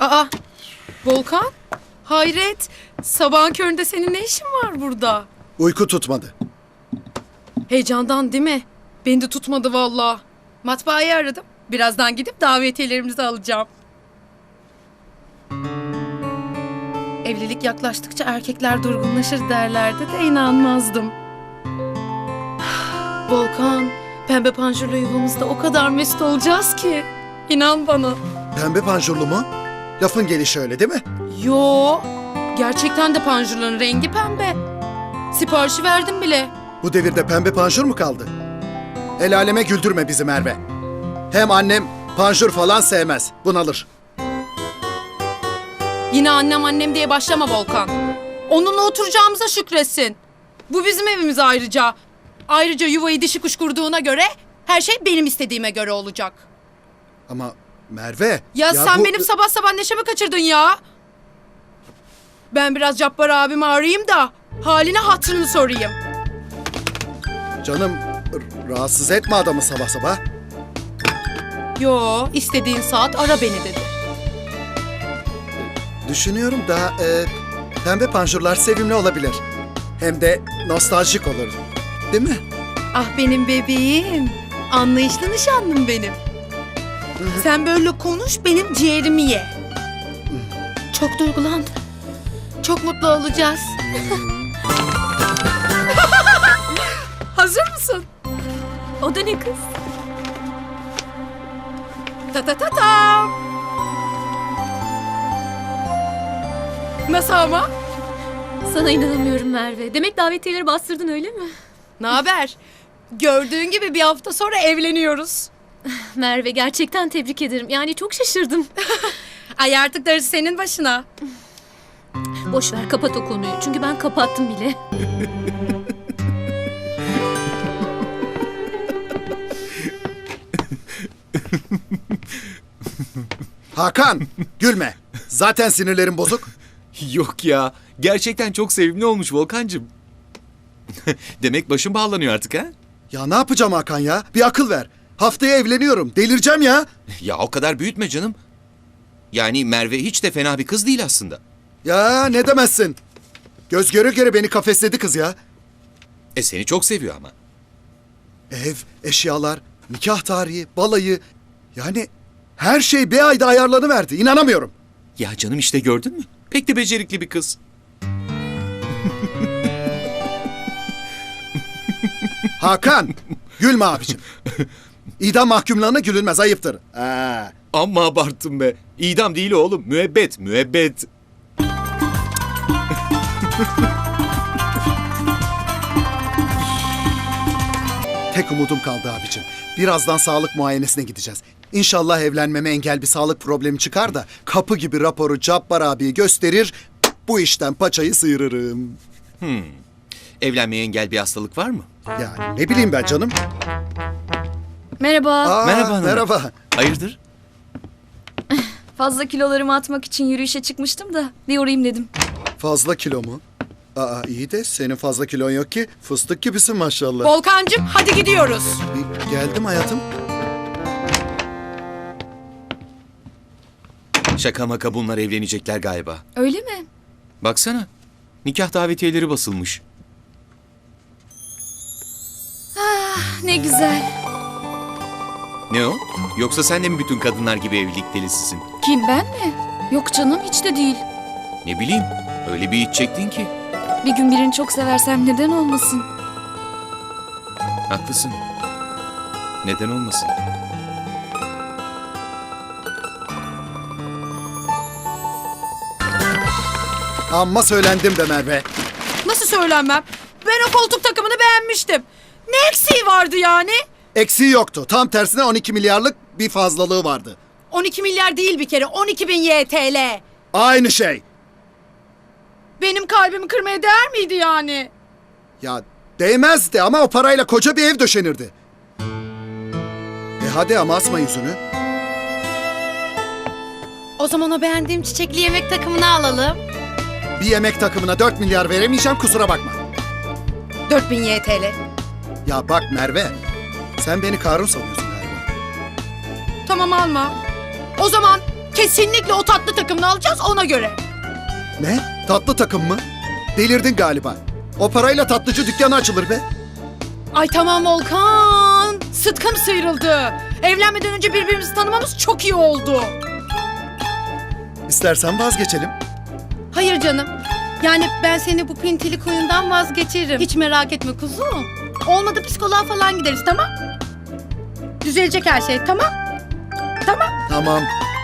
Aa, Volkan, hayret. Sabahın köründe senin ne işin var burada? Uyku tutmadı. Heyecandan değil mi? Beni de tutmadı vallahi. Matbaayı aradım. Birazdan gidip davetiyelerimizi alacağım. Evlilik yaklaştıkça erkekler durgunlaşır derlerdi de inanmazdım. Volkan, pembe panjurlu yuvamızda o kadar mesut olacağız ki. İnan bana. Pembe panjurlu mu? Lafın gelişi öyle değil mi? Yo, gerçekten de panjurların rengi pembe. Siparişi verdim bile. Bu devirde pembe panjur mu kaldı? El aleme güldürme bizi Merve. Hem annem panjur falan sevmez. Bunalır. Yine annem diye başlama Volkan. Onunla oturacağımıza şükretsin. Bu bizim evimiz ayrıca. Ayrıca yuvayı dişi kuş kurduğuna göre her şey benim istediğime göre olacak. Ama Merve... Ya sen bu... benim sabah sabah neşemi kaçırdın ya. Ben biraz Cabbar abimi arayayım da haline hatırını sorayım. Canım rahatsız etme adamı sabah sabah. Yo, istediğin saat ara beni dedi. Düşünüyorum da pembe panjurlar sevimli olabilir. Hem de nostaljik olur. Değil mi? Ah benim bebeğim. Anlayışlı nişanlım benim. Sen böyle konuş, benim ciğerimi ye. Çok duygulandım. Çok mutlu olacağız. Hazır mısın? O da ne kız? Ta ta ta ta. Nasıl ama? Sana inanamıyorum Merve. Demek davetiyeleri bastırdın öyle mi? Ne haber? Gördüğün gibi bir hafta sonra evleniyoruz. Merve gerçekten tebrik ederim. Yani çok şaşırdım. Ay artık darısı senin başına. Boş ver kapat o konuyu. Çünkü ben kapattım bile. Hakan gülme. Zaten sinirlerim bozuk. Yok ya. Gerçekten çok sevimli olmuş Volkancığım. Demek başım bağlanıyor artık ha? Ya ne yapacağım Hakan ya? Bir akıl ver. Haftaya evleniyorum. Delireceğim ya. Ya o kadar büyütme canım. Yani Merve hiç de fena bir kız değil aslında. Ya ne demezsin. Göz göre göre beni kafesledi kız ya. Seni çok seviyor ama. Ev, eşyalar, nikah tarihi, balayı. Yani her şey bir ayda ayarlanıverdi. İnanamıyorum. Ya canım işte gördün mü? Pek de becerikli bir kız. Hakan, gülme abicim. İdam mahkumlarına gülünmez, ayıptır. Amma abarttım be. İdam değil oğlum. Müebbet, müebbet. Tek umudum kaldı abicim. Birazdan sağlık muayenesine gideceğiz. İnşallah evlenmeme engel bir sağlık problemi çıkar da kapı gibi raporu Cabbar abiye gösterir, bu işten paçayı sıyırırım. Evlenmeye engel bir hastalık var mı? Yani ne bileyim ben canım. Merhaba. Merhaba hanım. Merhaba. Hayırdır? Fazla kilolarımı atmak için yürüyüşe çıkmıştım da bir uğrayayım dedim. Fazla kilo mu? İyi de senin fazla kilon yok ki. Fıstık gibisin maşallah. Volkancığım hadi gidiyoruz. Geldim hayatım. Şaka maka bunlar evlenecekler galiba. Öyle mi? Baksana. Nikah davetiyeleri basılmış. Ne güzel. Ne o? Yoksa sen de mi bütün kadınlar gibi evlilik delisisin? Kim ben mi? Yok canım hiç de değil. Ne bileyim. Öyle bir iç çektin ki. Bir gün birini çok seversem neden olmasın? Haklısın. Neden olmasın? Amma söylendim be Merve. Nasıl söylenmem? Ben o koltuk takımını beğenmiştim. Ne eksiği vardı yani? Eksiği yoktu. Tam tersine 12 milyarlık bir fazlalığı vardı. 12 milyar değil bir kere, 12 bin YTL. Aynı şey. Benim kalbimi kırmaya değer miydi yani? Ya değmezdi ama o parayla koca bir ev döşenirdi. Hadi ama asma yüzünü. O zaman o beğendiğim çiçekli yemek takımını alalım. Bir yemek takımına 4 milyar veremeyeceğim, kusura bakma. 4000 YTL. Ya bak Merve, sen beni Karun sanıyorsun galiba. Tamam alma. O zaman Kesinlikle o tatlı takımını alacağız ona göre. Ne? Tatlı takım mı? Delirdin galiba. O parayla tatlıcı dükkanı açılır be. Ay tamam Volkan. Sıtkım sıyrıldı. Evlenmeden önce birbirimizi tanımamız çok iyi oldu. İstersen vazgeçelim. Hayır canım. Yani ben seni bu pintilik oyundan vazgeçiririm. Hiç merak etme kuzum. Olmadı psikoloğa falan gideriz tamam? Düzelecek her şey tamam? Tamam. Tamam.